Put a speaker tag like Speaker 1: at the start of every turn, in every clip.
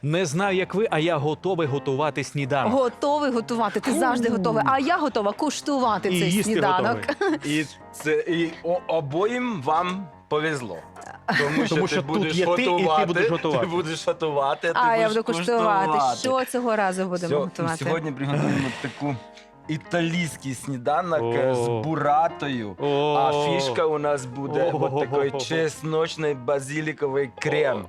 Speaker 1: Не знаю, як ви, а я готовий готувати сніданок.
Speaker 2: Готовий готувати, ти завжди готовий. А я готова куштувати
Speaker 1: І
Speaker 2: цей
Speaker 1: їсти
Speaker 2: сніданок.
Speaker 1: готовий.
Speaker 3: І обоїм вам повезло. Тому
Speaker 1: що
Speaker 3: ти
Speaker 1: тут
Speaker 3: будеш
Speaker 1: є ти, і ти
Speaker 3: готувати,
Speaker 1: будеш готувати.
Speaker 3: Ти будеш готувати, ти
Speaker 2: А я
Speaker 3: будеш
Speaker 2: буду куштувати.
Speaker 3: куштувати.
Speaker 2: Що цього разу будемо готувати?
Speaker 3: Сьогодні приготуємо таку італійський сніданок з
Speaker 1: О.
Speaker 3: буратою.
Speaker 1: О.
Speaker 3: А фішка у нас буде
Speaker 1: О.
Speaker 3: вот такой чесночний базиликовий крем.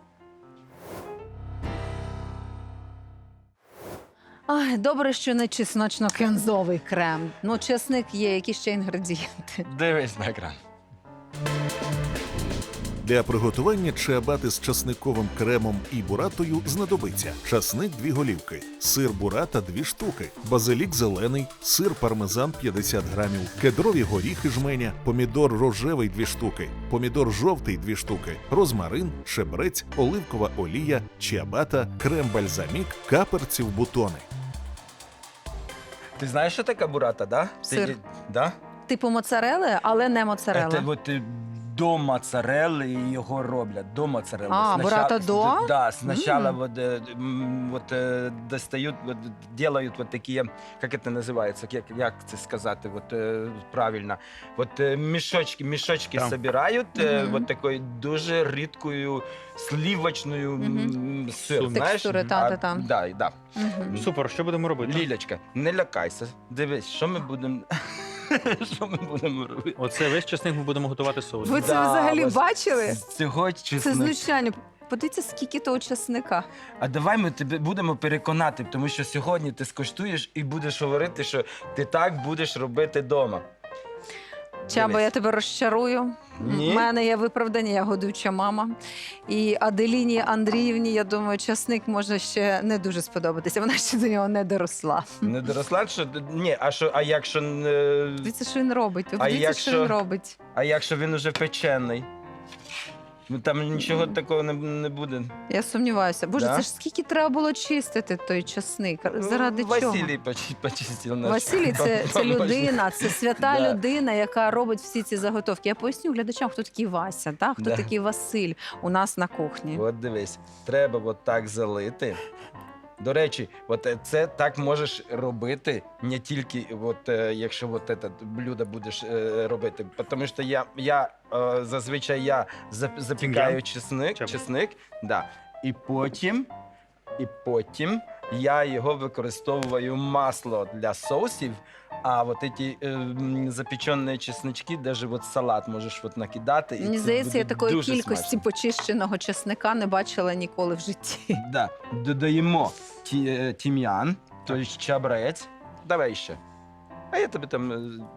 Speaker 2: Ай, добре, що не чесночно-кензовий крем. Ну, чесник є, які ще інгредієнти.
Speaker 3: Дивись на екран.
Speaker 4: Для приготування чиабати з часниковим кремом і буратою знадобиться часник 2 голівки, сир бурата 2 штуки, базилік зелений, сир пармезан 50 грамів, кедрові горіхи жменя, помідор рожевий 2 штуки, помідор жовтий 2 штуки, розмарин, шебрець, оливкова олія, чиабата, крем-бальзамік, каперці в бутони.
Speaker 3: Ти знаєш, що таке бурата, да?
Speaker 2: Сир.
Speaker 3: Да?
Speaker 2: Типу моцарели, але не моцарела.
Speaker 3: Це от до моцарелли його роблять, до моцарелли.
Speaker 2: А, бурата до?
Speaker 3: Да, сначала достают, делают вот такие, как это называется, як це сказати, правильно, мішочки
Speaker 1: Там.
Speaker 3: собирають,
Speaker 2: Мгм.
Speaker 3: вот такою дуже рідкою сливочною сир, знаєш?
Speaker 2: Текстури, та.
Speaker 3: Да.
Speaker 2: Мгм.
Speaker 1: Супер, що будемо робити?
Speaker 3: Лілячка, не лякайся, дивись, що ми будемо що ми будемо робити.
Speaker 1: Оце весь часник ми будемо готувати соус.
Speaker 2: Ви це взагалі
Speaker 3: ось
Speaker 2: бачили?
Speaker 3: Цього
Speaker 2: Це
Speaker 3: чеснок.
Speaker 2: знущання. Подивіться, скільки того часника.
Speaker 3: А давай ми тебе будемо переконати, тому що сьогодні ти скуштуєш і будеш говорити, що ти так будеш робити вдома.
Speaker 2: Чаба,
Speaker 3: Дивись.
Speaker 2: я тебе розчарую.
Speaker 3: Ні?
Speaker 2: У мене є виправдання, я годуюча мама. І Аделіні Андріївні, я думаю, часник може ще не дуже сподобатися. Вона ще до нього не доросла.
Speaker 3: Не доросла, що ні, а якщо
Speaker 2: Дивіться, що він робить. Ви
Speaker 3: А
Speaker 2: подивіться, що
Speaker 3: якщо-
Speaker 2: він робить.
Speaker 3: він уже печений? Ну там нічого такого не буде.
Speaker 2: Я сумніваюся. Боже,
Speaker 3: Да?
Speaker 2: це ж скільки треба було чистити той часник? Заради чого?
Speaker 3: Василій почистив наш.
Speaker 2: Василій це людина, це свята
Speaker 3: Да.
Speaker 2: людина, яка робить всі ці заготовки. Я поясню глядачам, хто такий Вася, та? Хто
Speaker 3: Да.
Speaker 2: такий Василь у нас на кухні.
Speaker 3: От дивись, треба от так залити. До речі, це так можеш робити не тільки, якщо це блюдо будеш робити. Тому що зазвичай запікаю чесник, да. І потім я його використовую масло для соусів, а ці запечені чеснички, навіть салат можеш накидати. і
Speaker 2: Мені
Speaker 3: це
Speaker 2: здається, я
Speaker 3: буде
Speaker 2: такої
Speaker 3: дуже
Speaker 2: кількості
Speaker 3: смачно.
Speaker 2: почищеного чесника не бачила ніколи в житті.
Speaker 3: Да. Додаємо тім'ян, тобто чабрець. Давай ще. А я тобі там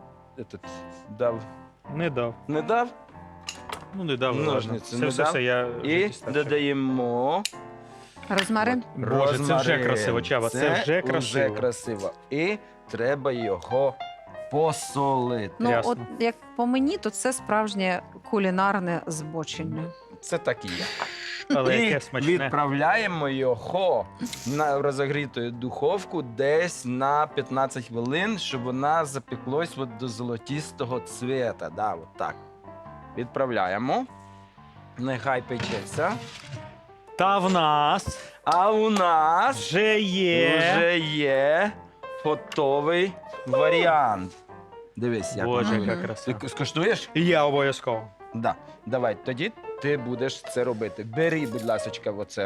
Speaker 3: дав.
Speaker 1: Не дав.
Speaker 3: Не дав?
Speaker 1: Ну, не дав. ладно.
Speaker 3: Ножниці
Speaker 1: Все,
Speaker 3: не
Speaker 1: все,
Speaker 3: дав?
Speaker 1: все, я
Speaker 3: І
Speaker 1: дістав.
Speaker 3: додаємо
Speaker 2: Розмарин?
Speaker 1: Боже, це вже
Speaker 3: розмарин.
Speaker 1: красиво, Чаба, це вже красиво.
Speaker 3: Вже красиво. І треба його посолити.
Speaker 2: Ну,
Speaker 1: Ясно.
Speaker 2: от як по мені, то це справжнє кулінарне збочення.
Speaker 3: Це так і є.
Speaker 1: Але
Speaker 3: І
Speaker 1: яке смачне.
Speaker 3: відправляємо його на розогріту духовку десь на 15 хвилин, щоб вона запеклась до золотистого цвіта. Да, от так. Відправляємо. Нехай печеться.
Speaker 1: Та в нас
Speaker 3: А у нас
Speaker 1: вже є.
Speaker 3: вже є готовий варіант. Дивись, як
Speaker 1: Боже,
Speaker 3: воно.
Speaker 1: яка
Speaker 2: Мгм.
Speaker 1: краса.
Speaker 3: Ти скуштуєш?
Speaker 1: І я обов'язково.
Speaker 3: Да. Давай, тоді ти будеш це робити. Бери, будь ласка, оце.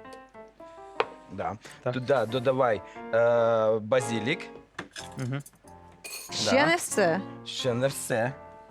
Speaker 3: Да.
Speaker 1: Так.
Speaker 3: Туди додавай базилік.
Speaker 1: Угу.
Speaker 2: Ще не все.
Speaker 3: Ще не все.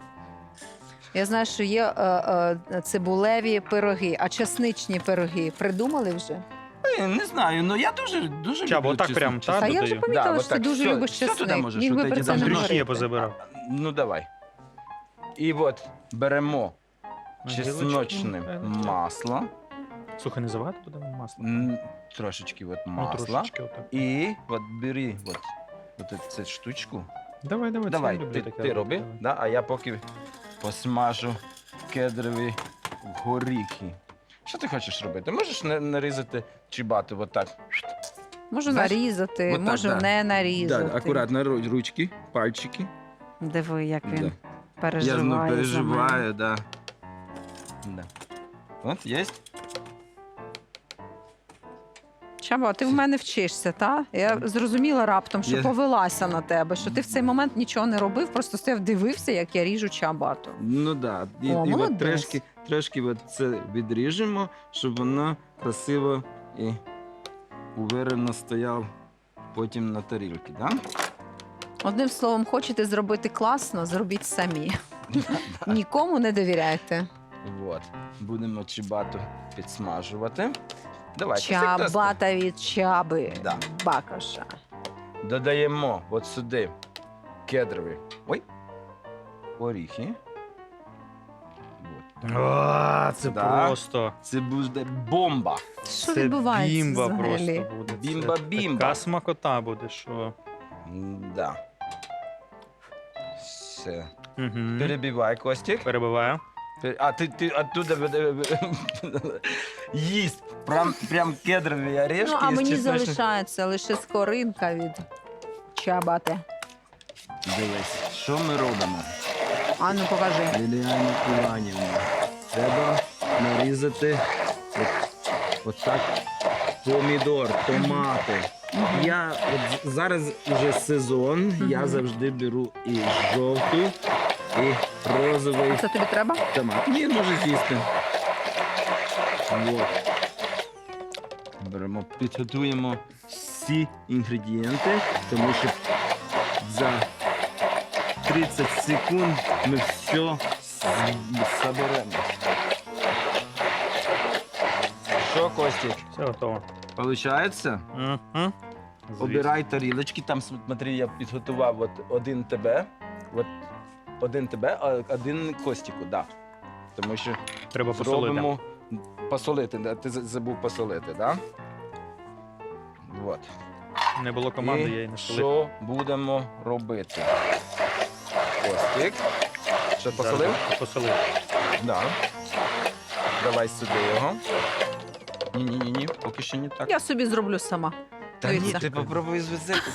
Speaker 2: Я знаю, що є цибулеві пироги, а чесничні пироги придумали вже?
Speaker 3: Не знаю, ну я дуже
Speaker 1: Чабо,
Speaker 3: люблю
Speaker 1: отак прям,
Speaker 3: чеснок.
Speaker 1: та?
Speaker 2: А я вже
Speaker 1: додаю.
Speaker 2: помітила,
Speaker 3: Да,
Speaker 2: що ти
Speaker 3: отак.
Speaker 2: дуже
Speaker 3: Що-
Speaker 2: любиш
Speaker 3: що туди
Speaker 2: чесник.
Speaker 3: можеш?
Speaker 2: Міг би
Speaker 3: От
Speaker 2: про
Speaker 3: ці
Speaker 2: це
Speaker 1: Там
Speaker 2: не
Speaker 3: дрючки
Speaker 1: дрючки я
Speaker 2: говорити.
Speaker 1: позабирав.
Speaker 3: Ну давай. І от беремо чесночне масло.
Speaker 1: Слухай, не завагати будемо масло?
Speaker 3: Трошечки
Speaker 1: Ну,
Speaker 3: масла.
Speaker 1: трошечки отак.
Speaker 3: І от бери цю штучку.
Speaker 1: Давай, це
Speaker 3: Давай,
Speaker 1: я люблю
Speaker 3: ти
Speaker 1: таке
Speaker 3: роби,
Speaker 1: робити, давай.
Speaker 3: да, а я поки посмажу кедрові горіхи. Що ти хочеш робити? Можеш нарізати чибату отак.
Speaker 2: Можу
Speaker 3: Знаєш,
Speaker 2: нарізати,
Speaker 3: отак,
Speaker 2: можу
Speaker 3: да.
Speaker 2: не нарізати.
Speaker 3: Да, акуратно ручки, пальчики.
Speaker 2: Диви, як він
Speaker 3: Да.
Speaker 2: переживає.
Speaker 3: Я
Speaker 2: за мене.
Speaker 3: переживаю, да. От, є.
Speaker 2: Чаба, ти в мене вчишся, та? Я зрозуміла раптом, що
Speaker 3: Я-
Speaker 2: повелася на тебе, що ти в цей момент нічого не робив, просто стояв, дивився, як я ріжу чабату.
Speaker 3: Ну так. Да.
Speaker 2: О,
Speaker 3: І от
Speaker 2: молодець.
Speaker 3: трошки от це відріжемо, щоб воно красиво і уверено стояв потім на тарілці, да?
Speaker 2: Одним словом, хочете зробити класно, зробіть самі. Нікому не довіряйте.
Speaker 3: От. Будемо чебату підсмажувати. Давайте. як тесто.
Speaker 2: Чабата від чаби.
Speaker 3: Да.
Speaker 2: Бакоша.
Speaker 3: Додаємо от сюди кедрові. Ой. Оріхи. От.
Speaker 1: А, це
Speaker 3: Да.
Speaker 1: просто.
Speaker 3: Це буде бомба.
Speaker 2: Що
Speaker 1: Це
Speaker 2: відбувається
Speaker 1: бімба
Speaker 2: взагалі?
Speaker 1: просто буде. Це
Speaker 3: Бімба-бімба.
Speaker 1: Така смакота буде, що.
Speaker 3: Да. Все.
Speaker 1: Угу.
Speaker 3: Перебивай, Костік.
Speaker 1: Перебиваю.
Speaker 3: А ти оттуда їсть. Прям кедрові орешки.
Speaker 2: Ну, а
Speaker 3: із
Speaker 2: мені
Speaker 3: чесночним-
Speaker 2: залишається лише скоринка від чабати.
Speaker 3: Дивись, що ми робимо?
Speaker 2: А ну покажи.
Speaker 3: Ліліана Іванівна. Треба нарізати от так помідор, томати. Я от зараз вже сезон, я завжди беру і жовту, і розовий
Speaker 2: Це тобі треба?
Speaker 3: томат. Ні, може з'їсти. Вот. Беремо, підготуємо всі інгредієнти, тому що за 30 секунд ми все соберемо. Що, Костік,
Speaker 1: Все готово.
Speaker 3: получається?
Speaker 1: Угу.
Speaker 3: Обирай тарілочки, там, смотри, я підготував от один тебе, а один Костіку, да. Тому що
Speaker 1: Треба посолити.
Speaker 3: зробимо посолити, да? Ти забув посолити, да? Вот.
Speaker 1: Не було команди, я її
Speaker 3: І
Speaker 1: не солив.
Speaker 3: що будемо робити? Костік. Що, посолив?
Speaker 1: Посолив.
Speaker 3: Да. Давай сюди його. Ні, поки що не так.
Speaker 2: Я собі зроблю сама.
Speaker 3: Та ні,
Speaker 2: Дивіться.
Speaker 3: ти попробуй звезти.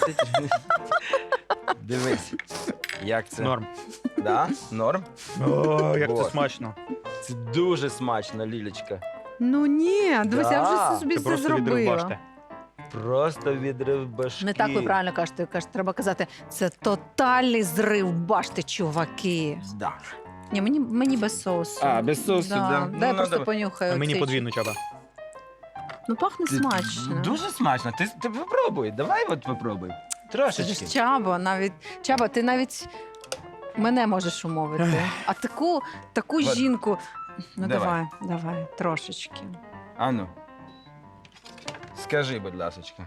Speaker 3: Дивись, як це.
Speaker 1: Норм.
Speaker 3: Да? Норм?
Speaker 1: О, як це
Speaker 3: Вот.
Speaker 1: смачно.
Speaker 3: Це дуже смачно, Лілечка.
Speaker 2: Ну ні, дивись, я
Speaker 3: Да.
Speaker 2: вже собі
Speaker 1: Це
Speaker 2: все
Speaker 1: просто відрив
Speaker 2: зробила.
Speaker 1: башти.
Speaker 3: Просто відрив башки.
Speaker 2: Не так ви правильно кажете, треба казати, це тотальний зрив башти, чуваки.
Speaker 3: Да.
Speaker 2: Ні, мені без соусу.
Speaker 3: А, без соусу, да.
Speaker 2: Дай
Speaker 3: Ну,
Speaker 2: просто
Speaker 3: надо-
Speaker 2: понюхаю.
Speaker 1: А мені
Speaker 2: цей.
Speaker 1: подвійну чаба.
Speaker 2: Ну пахне
Speaker 3: Ти-
Speaker 2: смачно.
Speaker 3: Дуже смачно. Ти попробуй. Давай от попробуй.
Speaker 2: Це
Speaker 3: Трошечки.
Speaker 2: ж Чаба, навіть Чаба, ти навіть мене можеш умовити. А таку
Speaker 3: Вот.
Speaker 2: жінку. Ну
Speaker 3: Давай.
Speaker 2: давай, трошечки.
Speaker 3: Ану. Скажи, будь ласочка.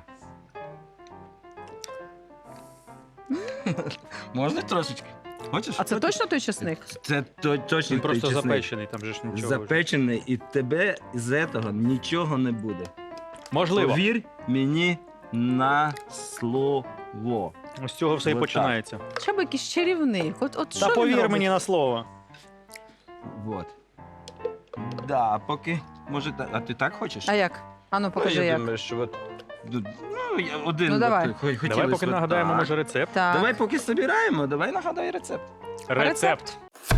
Speaker 3: Можна трошечки? Хочеш?
Speaker 2: А це
Speaker 3: Хочеш?
Speaker 2: точно той чесник?
Speaker 3: Це точно
Speaker 1: Він просто
Speaker 3: той чесник.
Speaker 1: запечений, там же ж нічого. вже.
Speaker 3: Запечений, і тебе з цього нічого не буде.
Speaker 1: Можливо.
Speaker 3: Повір мені на слово.
Speaker 1: З цього все і
Speaker 3: Вот
Speaker 1: починається.
Speaker 2: Чаба якийсь чарівник. От
Speaker 1: Та
Speaker 2: що він
Speaker 1: повір
Speaker 2: робить?
Speaker 1: мені на слово.
Speaker 3: Вот. Да, поки. Може, а ти так хочеш?
Speaker 2: А як? Ану, покажи
Speaker 3: я
Speaker 2: як.
Speaker 3: думаю, що от. Один.
Speaker 2: Ну, давай.
Speaker 3: Хотілося
Speaker 1: Давай поки
Speaker 3: от
Speaker 1: нагадаємо,
Speaker 3: так.
Speaker 1: може, рецепт.
Speaker 2: Так.
Speaker 3: Давай поки збираємо, давай нагадай рецепт.
Speaker 1: Рецепт.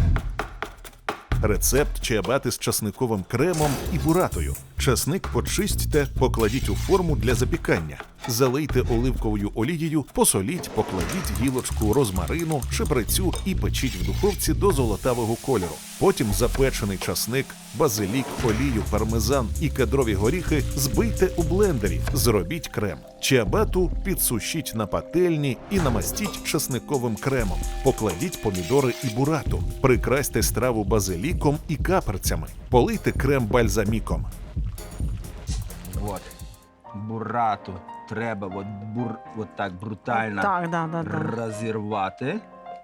Speaker 4: Рецепт чиабати з часниковим кремом і буратою. Часник почистьте, покладіть у форму для запікання. Залийте оливковою олією, посоліть, покладіть гілочку розмарину, шиприцю і печіть в духовці до золотавого кольору. Потім запечений часник, базилік, олію, пармезан і кедрові горіхи збийте у блендері. Зробіть крем. Чиабату підсушіть на пательні і намастіть часниковим кремом. Покладіть помідори і бурату. Прикрасьте страву базиліком і каперцями. Полийте крем бальзаміком.
Speaker 3: Вот. Бурату треба от так брутально
Speaker 2: Так, да.
Speaker 3: розірвати.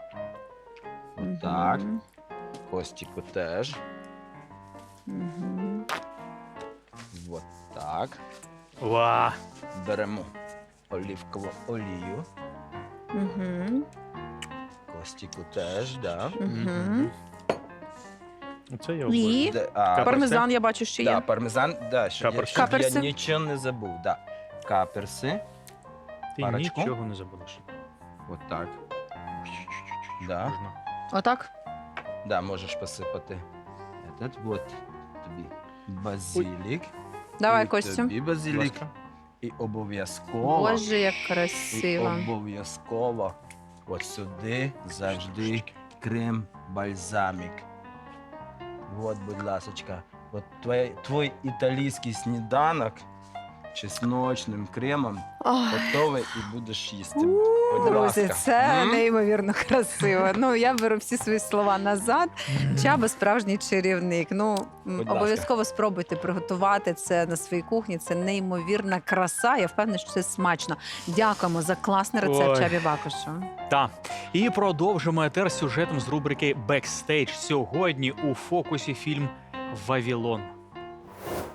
Speaker 3: Отак.
Speaker 2: Мгм.
Speaker 3: Костіку теж.
Speaker 2: Мгм.
Speaker 3: Вот так.
Speaker 1: Ва.
Speaker 3: Беремо оливкову олію.
Speaker 2: Мгм.
Speaker 3: Костіку теж, да.
Speaker 2: Мгм.
Speaker 1: Це я
Speaker 2: І?
Speaker 1: обожнюю.
Speaker 3: А,
Speaker 2: Пармезан, я бачу, що
Speaker 3: да,
Speaker 2: є.
Speaker 3: пармезан, да, щоб
Speaker 1: Каперси.
Speaker 3: я
Speaker 2: Каперси.
Speaker 3: нічого не забув. Да. Каперси.
Speaker 1: Ти
Speaker 3: парочку.
Speaker 1: нічого не забудеш.
Speaker 3: Вот так. Да.
Speaker 1: Можна.
Speaker 2: Отак?
Speaker 3: Да, можеш посипати. Этот вот тобі базилік.
Speaker 2: Давай,
Speaker 3: І
Speaker 2: Костю.
Speaker 3: Тобі
Speaker 1: Будь
Speaker 3: базилік.
Speaker 1: ласка.
Speaker 3: І обов'язково.
Speaker 2: Боже, як
Speaker 3: І
Speaker 2: красиво.
Speaker 3: обов'язково от сюди завжди крем-бальзамік. От, будь ласочка, от твій італійський сніданок чесночним кремом
Speaker 2: Ох.
Speaker 3: готовий і будеш їсти. Будь
Speaker 2: Друзі,
Speaker 3: ласка.
Speaker 2: це
Speaker 3: М?
Speaker 2: неймовірно красиво. Ну, я беру всі свої слова назад. Чаба справжній чарівник. Ну,
Speaker 3: Будь ласка.
Speaker 2: обов'язково спробуйте приготувати це на своїй кухні. Це неймовірна краса. Я впевнена, що це смачно. Дякуємо за класний рецепт
Speaker 1: Ой.
Speaker 2: Чабі Бакушу.
Speaker 1: Та. І продовжимо етер сюжетом з рубрики «Бекстейдж». Сьогодні у фокусі фільм «Вавілон».